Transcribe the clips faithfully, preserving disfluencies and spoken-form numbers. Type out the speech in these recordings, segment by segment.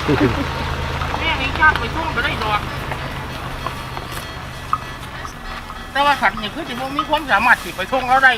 แม่ไม่ชอบไปท่องก็ได้ดอกแต่ว่าสัตว์นี่คือจะมีความสามารถที่ไปท่องเราได้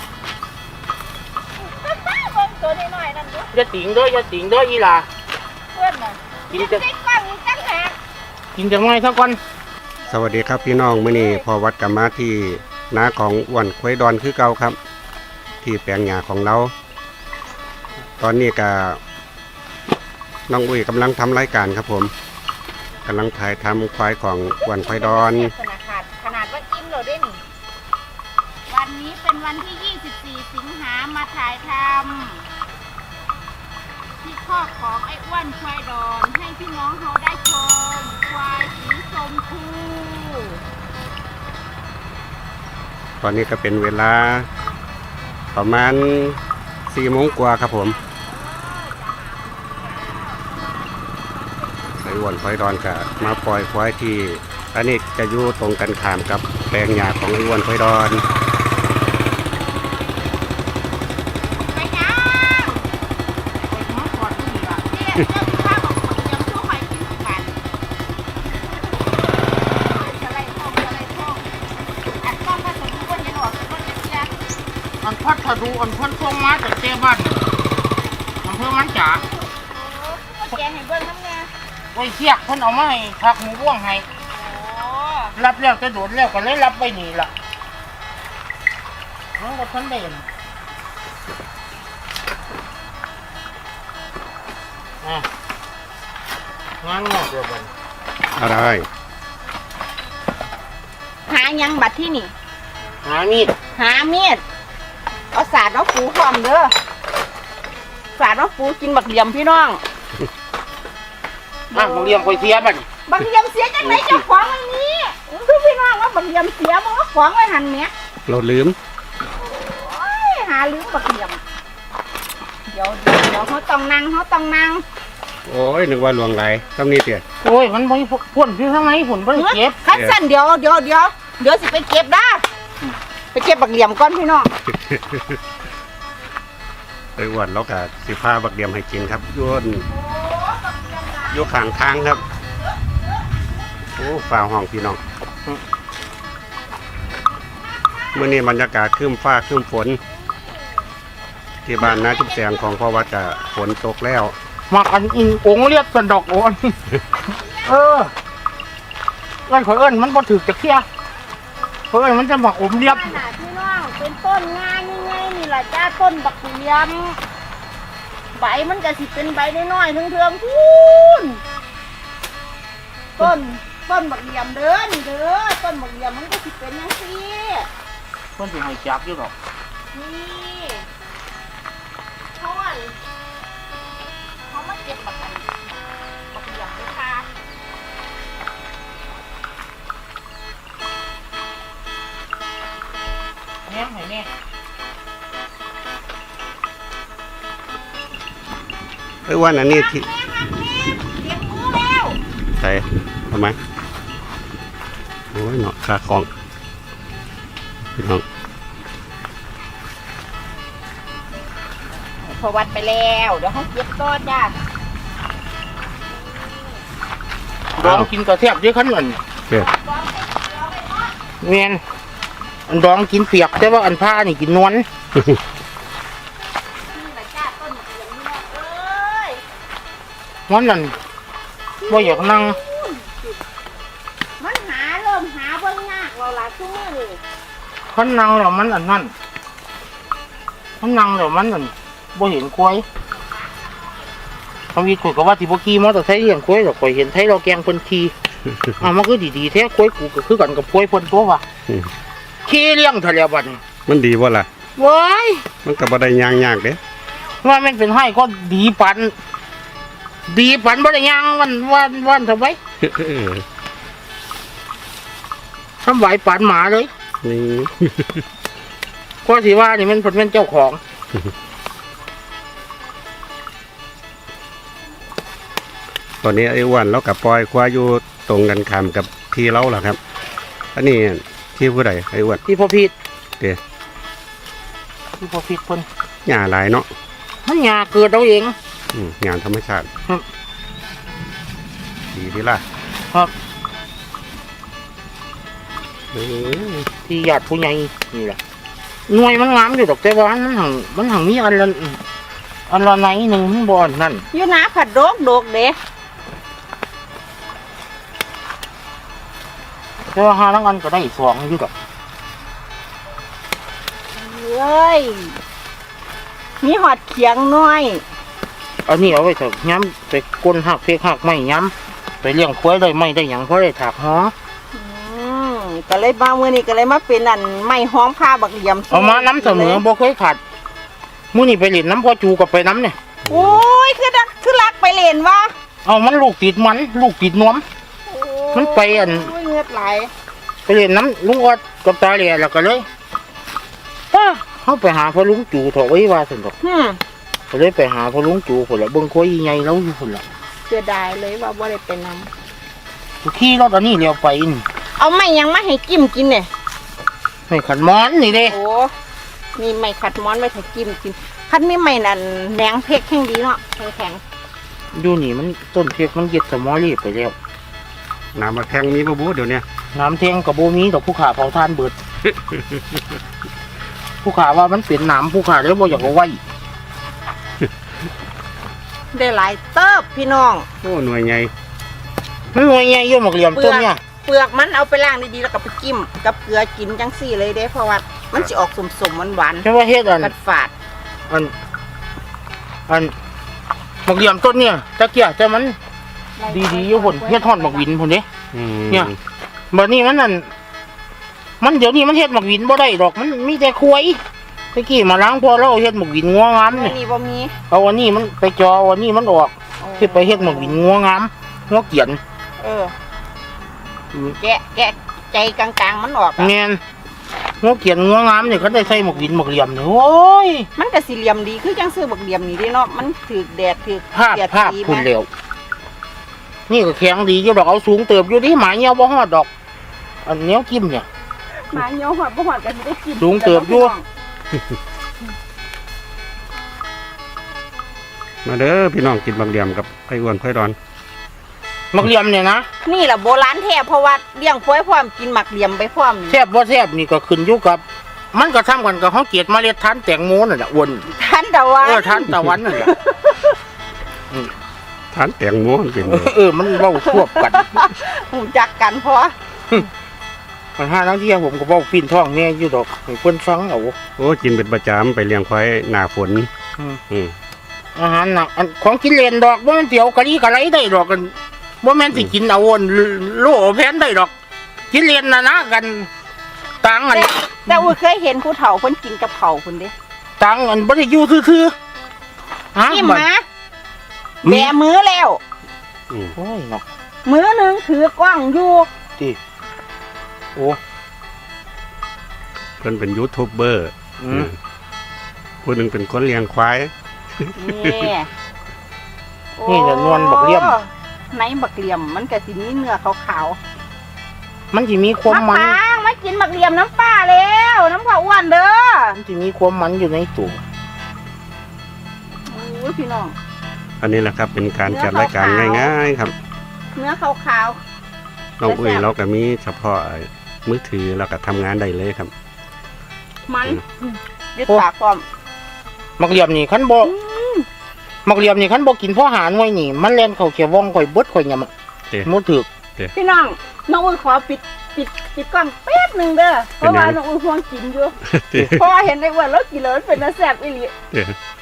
ตัวน้อยๆนั่นดูอย่าติ่งด้วยอย่าติ่งด้วยอีหล่ะเพื่อนน่ะกินจะได้ฟังจังหากกินจังไงสักวันสวัสดีครับพี่น้องมื้อนี้พอวัดกลับมาที่นาของอ้วนควายดอนคือเก่าครับที่แปลงหญ้าของเราตอนนี้ก็น้องอุ้ยกำลังทำรายการครับผมกำลังถ่ายทำควายของอ้วนควายดอนขนาดขนาดว่าอิ่มเราได้หนิวันนี้เป็นวันที่ยี่สิบสี่สิงหามาถ่ายทำที่คอกของไอ้อ้วนควายดอนให้พี่น้องเขาได้ชมควายสีชมพูตอนนี้ก็เป็นเวลาประมาณสี่โมงกว่าครับผมไอ้อ้วนควายดอนก็มาปล่อยควายที่อันนี้จะอยู่ตรงกันข้ามกับแปลงหญ้าของไอ้อ้วนควายดอนไปยังไปมาก่อนนี่ล่ะเนี่ยเจ้าข้าบอกยังช่วยใครกินกันจะไล่ท่องจะไล่ท่องอัดต้องผสมคนยังออกเป็นคนเชียร์อันพัดทะดูอันพัดท่องมาจากเจ้บ้านอำเภอมันจ๋าก็แกให้เบิ้งน้ำเนี่ยไว้เทียกเพิ่นเอามาให้ผักหมูบ้วงให้รับแล้วจะโดดแล้วก็เลยรับไปนี่ล่ะน้องก็ทันเด่นอ่ะงานงอกเดียวกันอะไรหายังบัดที่นี่หามีดหามีดเอาสาดน้องปูพร้อมเด้อสาดน้องปูกินบักเหลี่ยมพี่น้องบักเหลี่ยมไปเสียบัดบักเหลี่ยมเสียจังไหนเจ้าของอันนี้คือพี่น้องว่าบักเหลี่ยมเสียมันก็ของไว้หันเนี้ยเราลืมโอ้ยหาลืมบักเหลี่ยมเดี๋ยวเดี๋ยวเขาต้องนั่งเขาต้องนั่งโอ้ยนึกว่าหลวงไหลต้องนี่เตี๋ยโอ้ยมันไม่พ่นที่ทำไมพ่นไม่เก็บคัดสั้นเดี๋ยวเดี๋ยวเดี๋ยวเดี๋ยวสิไปเก็บได้ไปเก็บบักเหลี่ยมก่อนพี่น้องไอ้อ้วนเราก็สิพาบักเหลี่ยมให้กินครับย้วนยกขางทางครับโอ้ฝ่าห้องพี่น้องเมื่อนี้บรรยากาศครึ้มฟ้าครึ้มฝนที่บ้านนาจุ๊บแสงของพ่อวัดจะฝนตกแล้วมาอันอินองเรียบสันดอกโอนเออเอิ้นขอเอิ้นมันบ่ถือจะเคี้ยเอิ้นมันจะมาอมเรียบพี่น้องเป็นต้นงานง่ายๆนี่แหละจ้าต้นบักเหลี่ยมใบมันก็สิเป็นใบน้อยๆเทืองๆพูนต้นต้นบักเหลี่ยมเด้อนี่เด้อต้นบักเหลี่ยมมันก็สิเป็นอย่างนี้เพิ่นสิให้จับอยู่ดอกนี่เขาอ่ะเขามาเก็บบักกันบักเหลี่ยมด้วยค่ะแม่ให้แม่ไอ้วันอันนี้ที่เลี้ยงมือแล้วใส่ทำไมโอ้ยเนาะขาของพี่น้องพอวัดไปแล้วเดี๋ยวเขาเก็บก้อนจ้าดองกินกระเทียมเยอะขนาดนี้เมียนอันดองกินเปียกแต่ว่าอันผ้านี่กินนวลวันนั้นว่าอยากนั่งมันหาเริ่มหาเบิ่งยากเราละชั่วโมงเลยขันนั่งแล้วมันอันนั้นขันนั่งแล้วมันอันบ่เห็นกล้วยทำวิคุยกับว่าที่บ่กี้มอเตอร์ไซค์เลี้ยงกล้วยแต่ข่อยเห็นไทยเราแกงเพิ่นทีอ่ะมันก็ดีๆแท้กล้วยกูก็คือกันกับกล้วยเพิ่นตัวว่ะขี้เลี้ยงทะเลบัดนี้มันดีบ่ล่ะว้ายมันก็บ่ได้ยางยากเด้ว่ามันเป็นให้ก็ดีปันดีปันบ่ได้ยังวันวันวันทำไมทำไหวปันหมาเลยนี่ก็สิว่านี่มันเป็นเจ้าของตอนนี้ไอ้อ้วนเรากับปล่อยควายอยู่ตรงกันข้ามกับที่เราแหละครับอันนี้ที่ผู้ใดไอ้อ้วนที่พ่อพีดเดี๋ยวที่พ่อพีดคนหญ้าหลายเนาะมันหญ้าเกิดเอาเองอืมหญ้าธรรมชาติดีดีล่ะครับเออที่ญาติผู้ใหญ่นี่แหละหน่วยมันงามอยู่ดอกแต่ว่ามันหังมันหังมีอันละอันละไหนหนึ่งมันบอนนั่นอยู่นาผัดโดกโดกเด้แต่ว่าหาทั้งอันก็ได้สองอยู่ดอกเอ้ยมีหอดเขียงน้อยอันนี้เอาไว้เถอะย้ำไปก้นหักเพกหักไม่ย้ำไปเลี้ยงควายได้ไม่ได้หยังเพราะได้ถากหออืมก็เลยมาเมื่อนี้ก็เลยมาเป็นอันไม้ห้อมผ้าบักเหลี่ยมเอามาน้ำเสมอบ่เคยขาดมื้อนี้ไปเล่นน้ำพ่อจูกับไปน้ำเนี่ยโอ้ยคือดักคือรักไปเล่นวะเอามันลูกติดมันลูกติดนวม มันไปอันโยเงือดไหลไปเล่นน้ำลุงออดกับตาเหลี่ยแล้วก็เลยป้าเขาไปหาพ่อลุงจูเถอะไว้ว่าสนดอกฮึมก็เลยไปหาพ่อลุงจูคนละเบิ่งควายใหญ่แล้วอยู่คนละเสียดายเลยว่าบ่ได้ไปนขี่รถอันนี้เลี้ยวไปนี่ำเอาไม่ยังมาให้จิ้มกินเนี่ยไม่ขันมอนนี่เด้โอ้นี่ไม่ขัดม้อนไม่ให้จิ้มกินคันมีไม่นั่นแหนงเพกแข็งดีเนาะแข็งอยู่นี่มันต้นเพกมันเย็ดสมอรีบไปแล้วน้ำมาแทงมีบ่บูเดี๋ยวเนี้ยน้ำเทงกับโบมีดอกผู้ขาเผาทานเบิด ผู้ขาว่ามันเป็นน้ำผู้ขาแล้วบ่อยากเอาไว้ๆได้หลายเติบพี่น้องโอ้หน่วยใหญ่ไม่ว่าไงโยมหมกเหลี่ยมต้นเนี่ยเปลือกมันเอาไปล้างดีๆแล้วก็ไปจิ้มกับเกลือกินจังสี่เลยเด้เพราะว่ามันสิออกสมๆหวานใช่ว่าเฮ็ดอันๆกัดฝาดอันอันหมกเหลี่ยมต้นเนี่ยตะเกียบแต่มันดีๆอยู่พุ่นเฮ็ดทอดหมกวินพุ่นเด้อืมเนี่ย บัดนี้มันนั่นมันเดี๋ยวนี้มันเฮ็ดหมกวินบ่ได้ดอกมันมีแต่ควายตะกี้มาล้างพอแล้วเอาเฮ็ดหมกวินงัวงามอัเนี่ยนนี้บ่มีเอาอันนี้มันไปจอเอาอันนี้มันออกที่ไปเฮ็ดหมกวินงัวงามงัวเกียนเออแกะแกะใจกลางๆมันออกอะแม่นงัวเกียนงัวงามเนี่ยเขาได้ใส่หมกวินหมกเหลี่ยมเนี่ยโอ้ยมันก็สี่เหลี่ยมดีคือจังซื้อบักเหลี่ยมนี่เด้เนาะมันถือแดดถือภาพเสียดภาพสีคุณมาเร็วนี่ก็แข็งดีอยู่ดอกเอาสูงเติบอยู่ดิหมาเงี้ยวบ่ฮอดดอก อันเนี้ยกิ้มเนี่ยหมาเหี่ยวหอดบ่หอดก็สิได้กินสูงเติบอยู่มาเด้อพี่น้องกินบางเหลี่ยมกับไข่อ้วนไข่ดอนหมักเหลี่ยมเนี่ยนะนี่แหละโบราณแท้เพราะว่าเลี้ยงควายพร้อมกินหมักเหลี่ยมไปพร้อมแซ่บบ่แซ่บนี่ก็ขึ้นอยู่กับ มันก็ทำกันกับเขาเกลียดเมล็ดทานแตงโมนั่นแหละอ้วนท่านตะวันเออทานตะวันนั่นแหละทานแตงโมมันเป็นเออเออมันเว้าควบกันหูจักกันเพราะมันห้าทั้งที่ผมก็เว้าปีนท้องแน่อยู่ดอกให้เพิ่นฟังเอาโอ้กินเป็นประจำไปเลี้ยงควายหน้าฝนอืมอืมอาหารน่ะอันของกินเล่นดอกบ่แม่นเตี๋ยวกะลีกะไรได้ดอกกันบ่แม่นสิกินเอาอันโลแพนได้ดอก กินเล่นน่ะนะกันตังอันแต่แต่อุ้ยเคยเห็นผู้เฒ่าเพิ่นกินกับเขาวพุ่นเด้ตังอันบ่ได้อยู่ซื่อๆฮะจิ้มบัดมาแบมือแล้วอืมโอ้ยเนาะมือหนึงถือกล้องอยู่ติโอ้เพิ่นเป็นยูทูบเบอร์อืมผู้หนึ่งเป็นคนเลี้ยงควายนี่นี่จะนวลบักเหลี่ยมโอ้ในบักเหลี่ยมมันก็สิมีเนื้อขาวมันสิมีคๆวามมันปางมากินบักเหลี่ยมน้ำปลาแล้วน้ำข้าวอ้วนเด้อมันสิมีความมันอยู่ในตัวโอ้ยพี่น้องอันนี้แหละครับเป็นการจัดรายการง่ายๆครับเนื้อขาวน้องอุ้ยเราก็มีเฉพาะมือถือเราก็ทำงานได้เลยครับๆมันยึดปากความมักเหลี่ยมนี่คันบ่มักเหลี่ยมนี่คันบ่กินพ่อหารไว้นี่ มันแล่นเข้าเขียวว่องข่อยเบิดข่อยยำอะเด้หมดถึกพี่น้องน้องอุ้ยขอปิดปิดปิดกล้องแป๊บหนึ่งเด้อเพราะว่าน้องอุ้ยห่วงกินอยู่เด้เพราะว่าเห็นในอ้วนแล้วกินแล้วมันเป็นน้ำแซ่บอีหลีเด้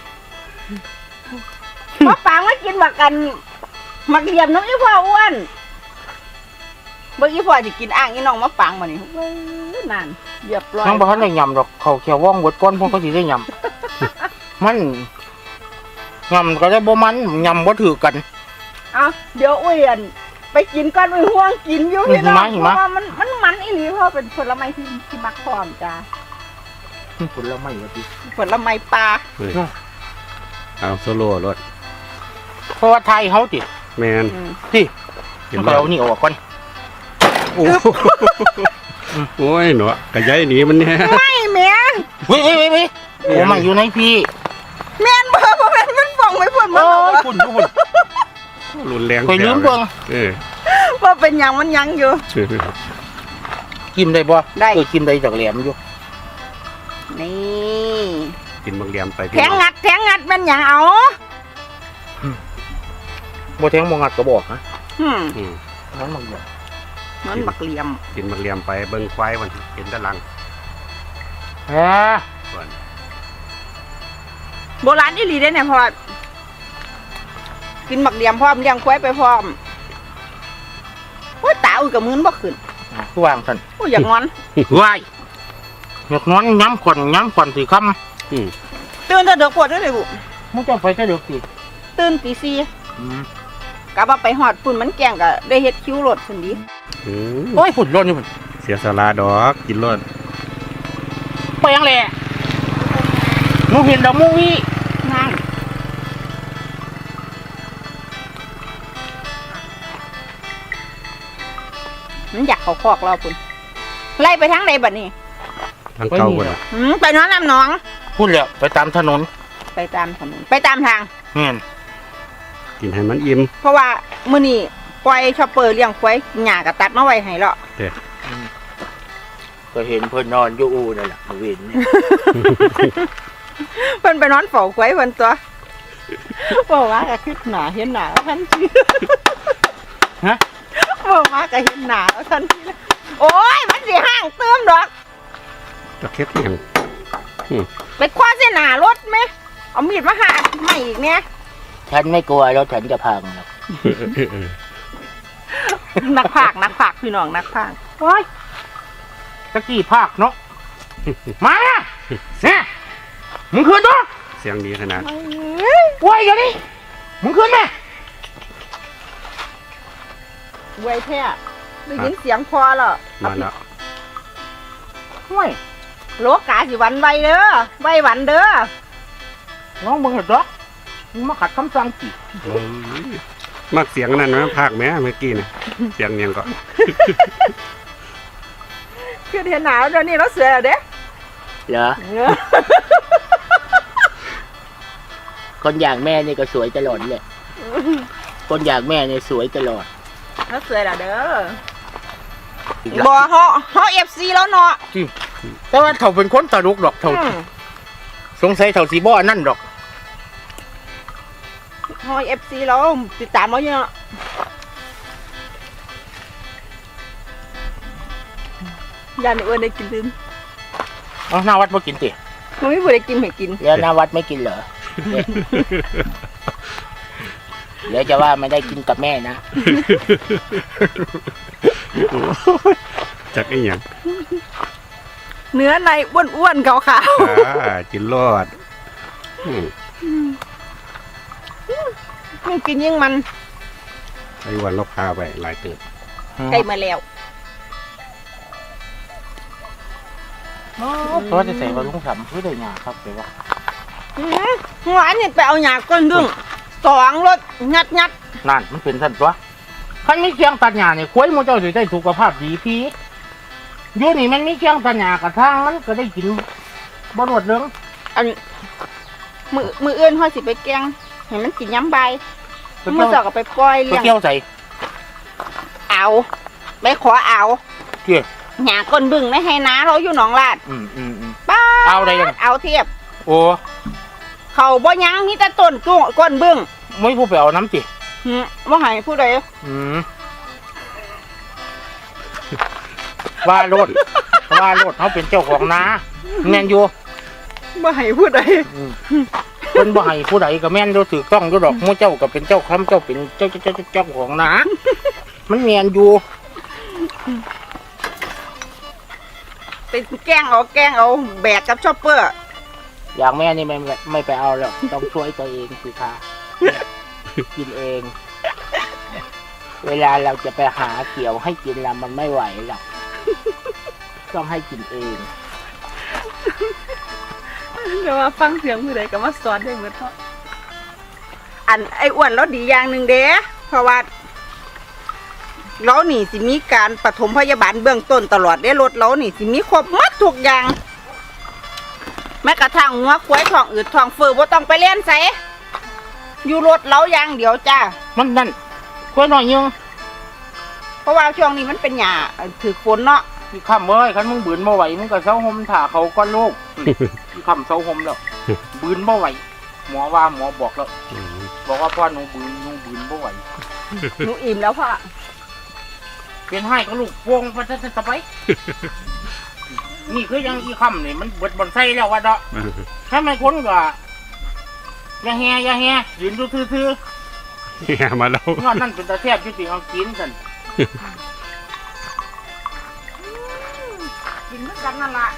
มาปางมากินบักกันมักเหลี่ยมน้องอีพ่ออ้วนเบิ่งอีพ่อจะกินอ่างอีน้องมาปางมานี่เว้ยนั่นเรียบร้อยทั้งบ่ทันได้ยำดอกเข้าเขียวว่องเบิดก่อนพวกเขาสิได้ยำ มันยำก็ได้บ่มันยำบ่ถือกันเอาเดี๋ยวอุ้ยอันไปกินก่อนอุ้ยห่วงกินอยู่พี่น้องหิเพมะหิมะราะว่ามันมันมันอีหลีเพราะว่าเป็นผลไม้ที่ที่มักพร้อมจ้าผลไม้ว่าติผลไม้ปลาเฮ้ยเอาโซโล่รถเพราะว่าไทยเฮาติแมนอืมติเห็นมันบ่ก็เอานี่ออกก่อนโอ้โอ้ยหนูกระยายหนีมันเนี่ยไม่แม่เฮ้ยเฮ้ยเฮ้ยเฮ้ยโอ้มันอยู่ในพี่แม่นบ่บ่แม่นมันฟ่องไปพุ่นมาโอ้แล้วยอะฝุ่นอยู่ฝุ่นรุนแรงข่อยลืมเบิ่งเออว่าเป็นหยังมันยังอยู่กินได้บ่ได้เออกินได้จากแหลมอยู่นี่กินบางแยมไปแทงงัดแทงงัดมันหยังเอาบ่แทงบ่งัดก็บอกนะอืมอืมนั้นมันบอกมันบักเหลี่ยมกินบางแยมไปเบิ่งควายมันเห็นแตะลังแฮ่ส่วนโบราณอีหลีได้เนี่ยพอกินบักเหลี่ยมพร้อมเลี้ยงควายไปพร้อมโอ้ยตาอุ้ยกับมือนบ่ขึ้นคือวางซั่นโอ้ยอย่างงอนว้ายหยกนอนย้ำก่อนย้ำก่อนสิคำอืมตื่นแต่เด็กปวดด้วยเลยบุมึงจะไปแต่เด็กสิตื่นตีสี่อืมกะว่าไปหอดฝุ่นมันแกล้งก็ได้เฮ็ดคิ้วรถพุ่นดีอืมโอ้ยฝุ่นร้อนอยู่มันเสียสละดอกกินรสไปยังแหละหนูเห็นดอกมูวี่นั่งมันอยากเขาคอกเราพุ่นไล่ไปทางใดบัดนี้ทั้งเก่าหมดอะหืมไปน้องน้ำหน้องพูดแล้วไปตามถนนไปตามถนนไปตามทางเงี้ยกินให้มันอิ่มเพราะว่ามื้อนี้ปล่อยชอปเปอร์เลี้ยงควายหญ้าก็ตัดมาไว้ให้แล้วก็เห็นเพื่อนนอนอยู่อูนั่นแหละมาเวินเนี่ยเพิ่นไปนอนเฝ้าควายเพิ่นตัวบอกว่าก็คิดหนาเห็นหนาแล้วทันทีฮะบอกว่าก็เห็นหนาแล้วทันทีเลยโอ้ยมันสิห้างเติมดอกตะเข็บอย่างไปคว้าเส้นหนารถไหมเอามีดมาหาไม่อีกเนี่ยฉันไม่กลัวแล้วฉันจะพังหรอกนักภาคนักภาคพี่น้องนักภาคโอ้ยตะกี้ภาคเนาะ มาเนี่ยมึงคืนตัวเสียงดีขนาดโอ้ยอย่างนี้มึงคืนไหมไว้แท้ได้ยินเสียงพอแล้วมาแล้วห้วยโลกาสิวันไวเด้อไววันเด้อน้องมึงเหรอจ๊ะมึงมาขัดคำสั่งจีโอ้ยมักเสียงนั่นไหมภาคแม่เมื่อกี้นะเสียงยังก็คือเห็นหนาวเดี๋ยวนี้เราเสือแล้วเด้เหรอคนอย่างแม่นี่ก็สวยตลอดเลยคนอย่างแม่นี่สวยตลอดเราเสือแล้วเด้อบ่เฮาเฮา เอฟ ซี แล้วเนาะแต่ว่าเขาเป็นคนตลกดอกเขาอืมสงสัยเขาสีบ่อนั่นดอกเฮา เอฟ ซี แล้วติดตามเราอยู่เนาะยานอ้วนได้กินลืมเอาหน้าวัดมากินติมันไม่ผู้ได้กินให้กินแล้วหน้าวัดไม่กินเหรอ เดี๋ยวจะว่าไม่ได้กินกับแม่นะจักไอ้หยังเนื้อในอ้วนๆขาวอ่ากินรอดอืมๆยิ่งกินยิ่งมันไอ้วันเราพาไปหลายเติบใกล้มาแล้วเพราะจะใส่ว่าลุงสำคือได้ยาครับไปว่าอื้อหือหวานนี่ไปเอาหยาก้นดึงสองรถงัดงัดนั่นมันเป็นสันตัวคันมีเคียงตัดหญ้าเนี่ยควายมันเจ้าสิได้สุขภาพดีพี่อยู่นี่มันมีเคียงตัดหญ้ากระทั่งมันก็ได้กินบ่หมดเรื่องอันมือมืออื่นเขาสิไปแกงเห็นมันกินย้ำใบมือสองก็ไปปล่อยไปเลี้ยงเกี่ยวใส่เอาไปขอเอาเกี่ยวหยาก้นบึงไม่ให้น้าเราอยู่หนองลาดอืมอืมอืมป้าเอาได้ยังเอาเทียบโอ้เขาบ่ยั้งมีแต่ต้นกุ้งก้นบึงไม่ผู้ไปเอาน้ำจิหืมว่าให้ผู้ใดอืมว่าโลดว่าโลดเขาเป็นเจ้าของนาแม่นอยู่ว่าให้ผู้ใดอืมเพิ่นบ่ให้ผู้ใดก็แม่นอยู่ถูกต้องอยู่ดอกหมู่เจ้าก็เป็นเจ้าคำเจ้าเป็นเจ้าเจ้าเจ้าเจ้าของนามันแม่นอยู่ไปแกล้งเอาแกล้งเอาแบกกับชอปเปอร์อย่างแม่นี่ไม่ไม่ไปเอาหรอกต้องช่วยตัวเองสิคะกินเอง เวลาเราจะไปหาเกี่ยวให้กินแล้วมันไม่ไหวหรอกต้องให้กินเองเดี๋ยวมาฟังเสียงผู้ใดก็มาสอนได้เหมือนเขาอันไอ้อ้วนเราดีอย่างหนึ่งเด้เพราะว่าเรานี่สิมีการปฐมพยาบาลเบื้องต้นตลอดได้รถเรานี่สิมีครบหมัดทุกอย่างแม้กระทั่งหัวควายท้องอืดท้องเฟ้อบ่ต้องไปเล่นใส่อยู่รถเราอย่างเดียวจ้ามันนั่นกล้วยหน่อยยังเพราะว่าช่วงนี้มันเป็นหญ้าถือฝนเนาะพี่คำเอ้ยคันมึงบืนบ่ไหวมึงก็เซาห่มถ่าเขาก้อนลูกพี่คำเซาห่มแล้วบืนบ่ไหวหมอว่าหมอบอกแล้วอืมบอกว่าพ่อหนูบืนหนูบืนบ่ไหวหนูอิ่มแล้วพ่อเป็นให้ก็ลูกพวงไปซะซะไป นี่คือยังอีคำนี่มันเบิดบอนไส้แล้วว่าเนาะถ้าไม่คนก็อย่าแฮอย่าแฮยืนดูซื่อเนี่ยมาแล้วๆงอนนั่นเป็นตาแซ่บอยู่ติเอากินซั่นกินเหมือนกันนั่นล่ะ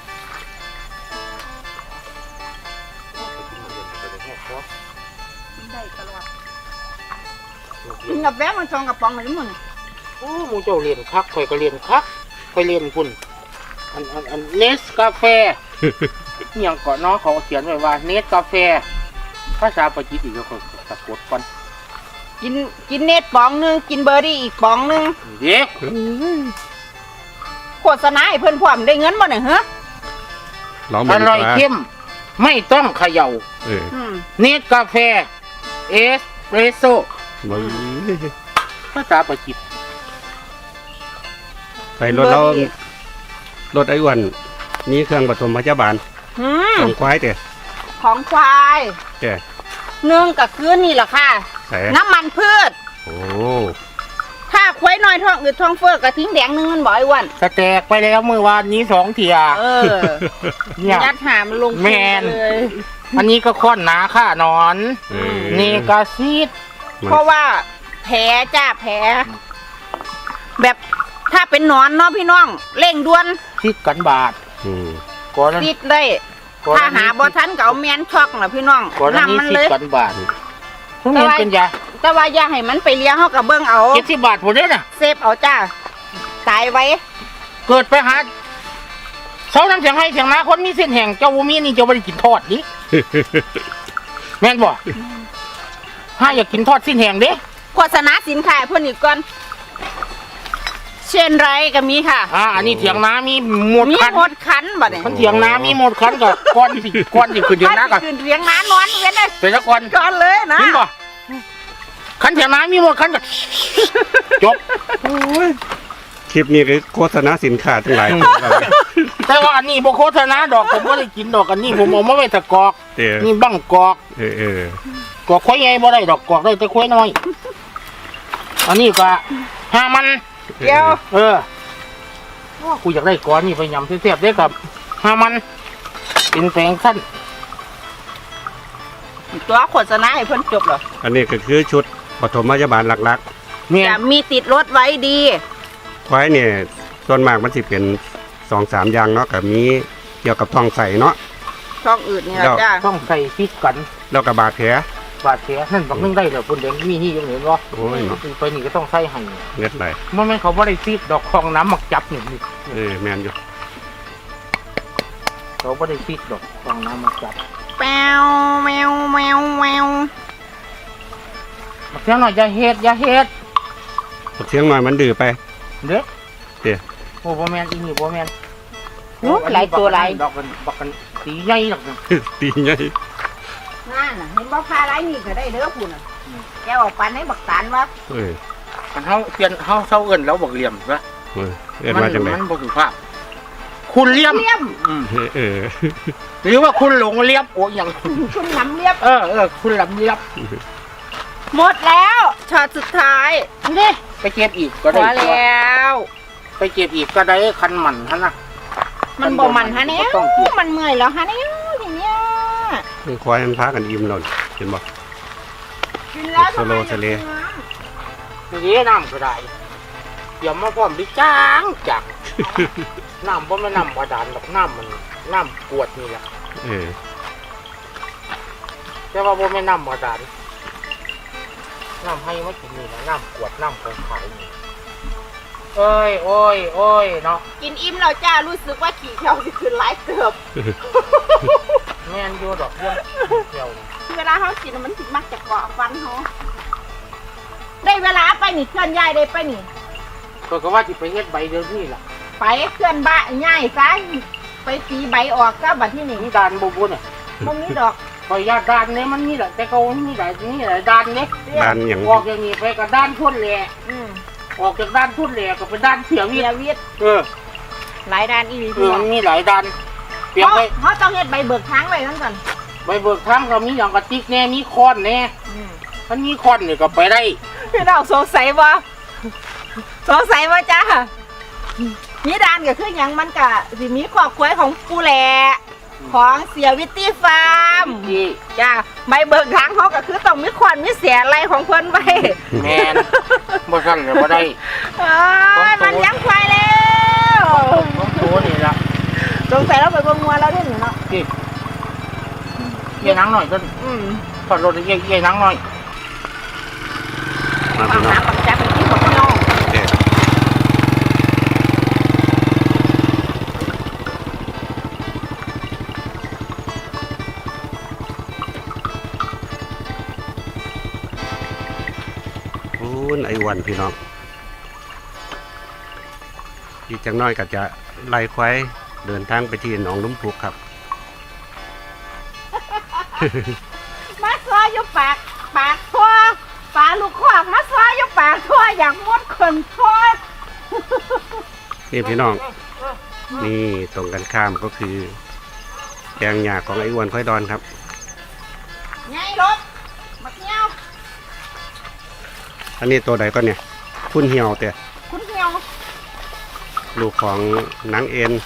กินได้ตลอดกินกับแวะมันซองกับปองเลยมั้งโอ้หมูเจ้าเรียนคักข่อยก็เรียนคักข่อยเรียนพุ่นอันอันอันเนสกาแฟ อหย่างก่อนน้องเขาเขียนไว้ว่าเนสกาแฟภาษาปากีสอีกแล้วเขาสะกดก่อนกินกินเนตปองหนึงกินเบอร์ดี้อีกปองหนึงเด็กโฆษณาให้เพิ่นพร้อมได้เงินบ่เนี่ยเหรอลองอมาดีร่อยกว่าเข้มไม่ต้องเขย่าเอออืมเนสกาแฟเอสเปรสโซ่มึงภาษาปากีสไปรถเรารถไอ้อ้วนมีเครื่องปฐมพยาบาลอืมของควายเด้อของควายเด้อหนึ่งก็คือนี่แหละค่ะใส่น้ำมันพืชโอ้ถ้าควายน้อยท้องอืดท้องเฟ้อกระทิ้งแดงหนึงมันบ่ไอ้อ้วันสแตกไปแล้วเมื่อวานนี้สองเทียเออเนี่ยยัดหามนลงแม่นเลยอันนี้ก็ค้อนหนาค่านอนเออเนกาซีดเพราะว่าแผลจ้าแผลแบบถ้าเป็นหนอนเนาะพี่น้องเร่งด่วนซีดกันบาทอืมก่อนนั้นติดได้ก่อนถ้านั้นหาบ่ทันก็เอาแมนช็อกน่ะพี่น้องก่อนนั้นนำมันซีเลดยกันบาททุกเรียนเป็นยาแต่ว่าอย่าให้มันไปเลี้ยงเฮากับเบิ่งเอาเจ็ดสิบบาทผมเด้อน่ะเซฟเอาจ้าตายไว้เกิดไปหาเสาน้ำเสียงให้เสียงนาคนมีเส้นแห่งเจ้าบ่มีนี่เจ้าบ่ได้กินทอดดิแม่นบ่ถ้าอยากกินทอดสิ้นแห่งเด้โฆษณาสินค้าให้เพิ่นอีกก่อนเช่นไรก็มีค่ะอ่าอันนี้เถียงนามีหมดมีคันหมดคันบ่เนี่ยมันเถียงนามีหมดคันก็ก้อนสิก้อนสิขึ้นเถียงนาก็ขึ้นเลี้ยงน้านอนเว้นเลยแต่ละก้อนก่อนเลยนะเห็นบ่คันเถียงนามีหมดคันก็จบคลิปนี้คือโฆษณาสินค้าทั้งหลายแต่ว่าอันนี้บ่โฆษณาดอกผมบ่ได้กินดอกอันนี้ผมเอามาไว้ตะกอกเด้อนี่บั้งกอกเออเออกอกควายใหญ่บ่ได้ดอกกอกได้แต่ควายน้อย อันนี้ก็ห้ามันเดี๋ยวเออว่ากูอยากได้ก้อนนี่ไปยำเสียบๆได้ครับห้ามันเป็นแปลงสั้นตัวโฆษณาให้เพิ่นจบเหรออันนี้ก็คือชุดปฐมพยาบาลหลักเนี่ยจะมีติดรถไว้ดีๆควายเนี่ยส่วนมากมันสิเป็นสองสามอย่างเนาะก็มีเกี่ยวกับท้องใส่เนาะช่องอื่นนี่แหละเดี๋ยวจ้าต้องใส่ฟิตกันแล้วก็บาดแผลบาดแผลนั่นบักนึงได้เหรอคุณเดงมีที่ยังเห็นวะโอ้ยไปนี่ก็ต้องใส่ให้เน็ดไหลเมื่อไม่นเขาบ่ได้ฟีดดอกคองน้ำหมักจับนี่นี่เออแมนอยู่เขาบ่ได้ฟีดดอกคองน้ำหมักจับแมวแมวแมวแมวบักเสียงหน่อยอย่าเฮ็ดอย่าเฮ็ดเสียงหน่อยมันดื้อไปเด้อเด้อโอ้บ่แม่นอีนี่บ่แม่นโอ้หลายตัวหลายดอกกันบักกันสีใหญ่ดอกนึงตีใหญ่นั่นน่ะเห็นบ่พาไรนี่ก็ได้เด้อคุณน่ะแกออกปันให้บักตานวะเออมันเฮาเปลี่ยนเฮาเซาเอิ้นแล้วบักเหลี่ยมซะเออเอิ้นมาจังได๋มันบ่สุภาพคุณเหลี่ยมเลียมอืมเออหรือว่าคุณหลงเลียบโอ้ยอย่างคุณน้ำเลียบเออเออคุณหลำเลียบหมดแล้วช็อตสุดท้ายนี่ไปเก็บอีกก็พได้อแล้วไปเก็บอีกก็ได้คันหมันฮะนะมันบ่มันฮะเนี่ยต้องเก็บมันเมื่อยแล้วฮะเนี่ยทีเนี้ยนี่ควายมันพากันอิ่มแล้วนี่เห็นบ่กินแล้วทำไมโซโลทะเลนี่น้ำก็ได้เดี๋ยวมาพร้อมดิจ้างจัก น้ำเพราะไม่น้ำบาดาลหรอกน้ำมันน้ำกวดนี่แหละเออแต่ว่าบ่ไม่น้ำบาดาลน้ำให้มากินนี่นะน้ำกวดน้ำของขายนี่เอ้ยโอ้ยโอ้ยเนาะกินอิ่มแล้วจ้ารู้สึกว่าขี่เที่ยวสิขึ้นหลายเติบแม่นอยู่ดอกเรื่องเที่ยวนี่เวลาเขากินมันสิมักจะเกาะฟันเขาได้เวลาไปนี่เคลื่อนย้ายได้ไปนี่ก็ก็ว่าจิไปเฮ็ดใบเดียวนี่ล่ะไปเคลื่อนบ้านย้ายซะไปตีใบออกก็บัดที่นี่นี่ดานบ่บุญอ่ะมันมีดอกคอยยาดานเนี่ยมันมีหลายแต่เขามีหลายนี่หลายดานเนี่ยด้านอย่างออกอย่างนี้ไปกับด้านทุ่นแหล่อืมออกจากด้านทุ่นแหล่ก็เป็นด้านเสียวิเสียทย์วิทย์เออหลายด้านอีหลีเอพี่อน้อมังนมีหลายด้านเปรียบเขาไปเขาต้องเฮ็ดใบเบิกทางไว้ทั้งก่อนใบเบิกทางก็มีอย่างกระติกแน่มีค้อนแน่อืมมันมีค้อนเนี่ยก็ไปได้พี่น้องสงสัยบ่สงสัยบ่จ้ามีด้านก็คือหยังมันก็สิมีครอบครัวของปูแหล่ของเสียวิตตี้ฟาร์มที่จ้าใบเบิกทางเขาก็คือต้องมีขวัญมีเสียอะไรของเพิ่นไว้แมนบ่สั่นก็บ่ได้เอ้ยมันเลี้ยังควายแล้วต้องตัวนี่ล่ะสงสัยเราไปเบิ่งงัวแล้วเด้นี่เนาะที่เยี่ยนังหน่อยต้นอืมถอดรถเยี่ยเยี่ยนังหน่อยมาฟัพี่งน้องน้ำปักแจ๊เป็นที่ของพี่น้องเด็ดโอ้ยไอ้วันพี่น้องอีกจังน้อยก็จะไล่ควายเดินทางไปที่หนองลุ่มพุกครับมาซอยอยู่ปากปากทั่วปลาลูกขวากมาซอยอยู่ปากทั่วอยากมดคนทั่วนี่พี่น้อง นี่ตรงกันข้ามก็คือแปลงหญ้าของไอ้อ้วนค่อยดอนครับไงรถบักเงี้ยวอันนี้ตัวใดก็เนี่ยพุ่นเหี่ยวแต่คุณเหี่ยวลูกของนางเอ็น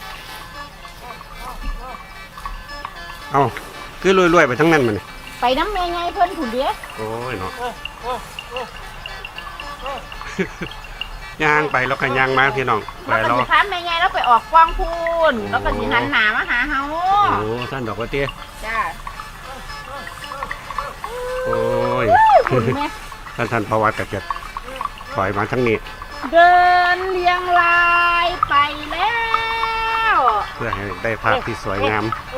เอ้าคือรวยๆไปทั้งนั้นมันยไปน้ำเมย์ไงเพิ่นผุนเดียโอ้ยเนาะ ย่างไปแล้วก็ย่างมาพี่น้องไปแล้วก็รอสิคันเมย์ไงแล้วไปออกกว้างพูนแล้วก็สิหันหนามาหาเฮาโอ้ท่านดอกกระเตี้ยจ้าโอ้ยคุณแม่ท่านท่านพวัตก็จะถอยมาทั้งนี้เดินเรียงรายไปแล้วเพื่อให้ได้ภาพที่สวยงาม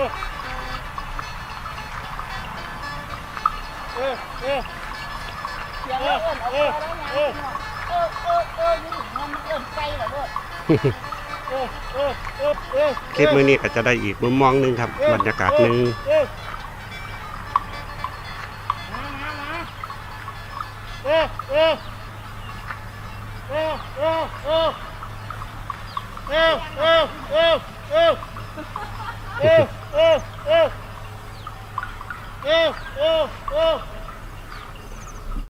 เสียงเอิ้นเอาไปแล้วนะเออเออเออเออนี่ถึงมันเอิ้นไก่เหรอลูกคลิปมื้อนี้ก็จะได้อีกมุมมองหนึงครับ บรรยากาศหนึ่งเออเออเออเออเออ